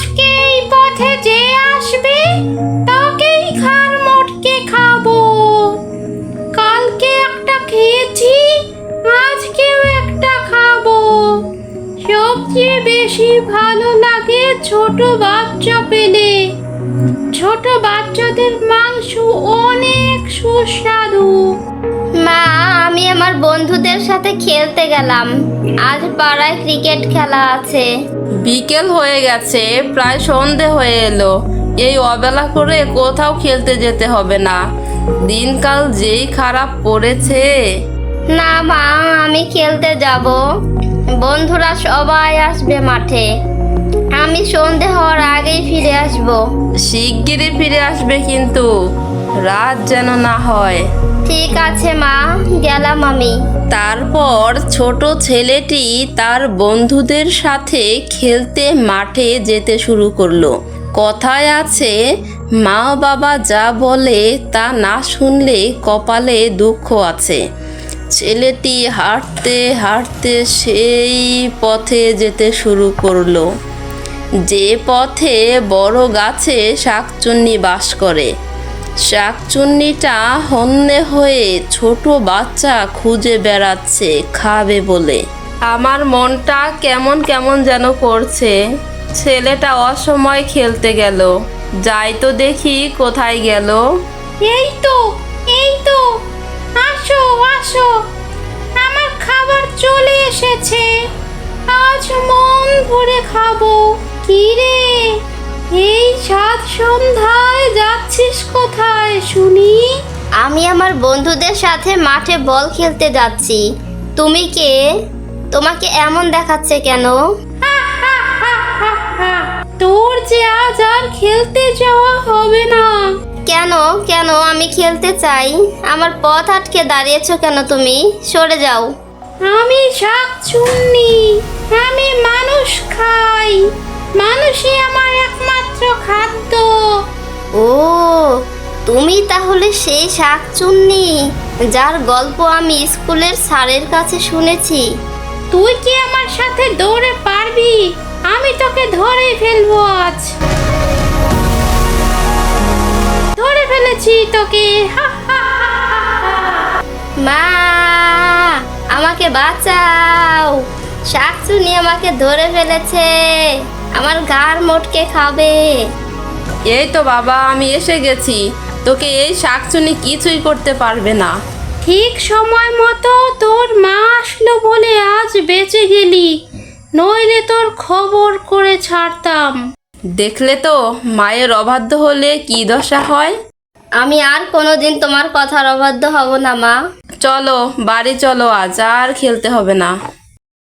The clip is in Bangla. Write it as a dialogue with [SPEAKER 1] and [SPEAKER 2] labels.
[SPEAKER 1] আজকে এই পথে যে আসবে তাকেই ঘাড় মটকে খাবো। কালকে একটা খেয়েছি, আজকেও একটা খাবো। সবচেয়ে বেশি ভালো লাগে ছোট বাচ্চা পেলে। ছোট বাচ্চাদের মাংস অনেক সুস্বাদু।
[SPEAKER 2] মা, আমি আমার বন্ধুদের সাথে খেলতে গেলাম। আজ পাড়ায় ক্রিকেট খেলা আছে।
[SPEAKER 3] বিকেল হয়ে গেছে, প্রায় সন্ধে হয়ে এলো। এই অবেলা করে কোথাও খেলতে যেতে হবে না। দিনকাল যেই খারাপ পড়েছে।
[SPEAKER 2] না মা, আমি খেলতে যাব। বন্ধুরা সবাই আসবে মাঠে। আমি সন্ধে হওয়ার আগেই ফিরে আসব।
[SPEAKER 3] শিগগিরই ফিরে আসবে কিন্তু, রাত যেন না হয়।
[SPEAKER 2] ঠিক আছে মা, গেলাম আমি।
[SPEAKER 3] তারপর ছোট ছেলেটি তার বন্ধুদের সাথে খেলতে মাঠে যেতে শুরু করলো। কথায় আছে, মা বাবা যা বলে তা না শুনলে কপালে দুঃখ আছে। ছেলেটি হাঁটতে হাঁটতে সেই পথে যেতে শুরু করলো যে পথে বড় গাছে শাকচুন্নি বাস করে। শাকচুন্নিটা হন্যে হয়ে ছোট বাচ্চা খুঁজে বেড়াচ্ছে খাবে বলে। আমার মনটা কেমন কেমন যেন করছে। ছেলেটা অসময় খেলতে গেল। যাই তো দেখি কোথায় গেল।
[SPEAKER 1] এই তো, এই তো, আসো আসো, আমার খাবার চলে এসেছে। আজ মন ভরে খাবো। কি রে, এই সাত সন্ধ্যায় যাচ্ছিস কোথায় শুনি?
[SPEAKER 2] আমি আমার বন্ধুদের সাথে মাঠে বল খেলতে যাচ্ছি। তুমি কে? তোমাকে এমন দেখাচ্ছে কেন?
[SPEAKER 1] তোর যে আজ আর খেলতে যাওয়া হবে না।
[SPEAKER 2] কেন কেন আমি খেলতে চাই। আমার পথ আটকে দাঁড়িয়েছো কেন তুমি? সরে যাও।
[SPEAKER 1] আমি শাকচুন্নি, আমি মানুষ খাই। মানুষই আমার একমাত্র খাদ্য।
[SPEAKER 2] ও, তুমি তাহলে সেই শাকচুন্নি যার গল্প আমি স্কুলের স্যারের কাছে শুনেছি।
[SPEAKER 1] তুই কি আমার সাথে দৌড়ে পারবি? আমি তোকে ধরেই ফেলবো আজ। ধরে ফেলেছি তোকে। হা, হা, হা, হা।
[SPEAKER 2] মা, আমাকে বাঁচাও। শাকচুন্নি আমাকে ধরে ফেলেছে। আমার ঘাড় মটকে খাবে।
[SPEAKER 3] এই তো বাবা, আমি এসে গেছি। তোকে এই শাকচুন্নি কিছুই করতে পারবে না।
[SPEAKER 1] ঠিক সময় মতো তোর মা আসলো বলে আজ বেঁচে গেলি, নইলে তোর খবর করে ছাড়তাম।
[SPEAKER 3] দেখলে তো, মায়ের অবাধ্য হলে কি দশা হয়।
[SPEAKER 2] আমি আর কোনোদিন তোমার কথার অবাধ্য হব না মা।
[SPEAKER 3] চলো বাড়ি চলো, আজ আর খেলতে হবে না।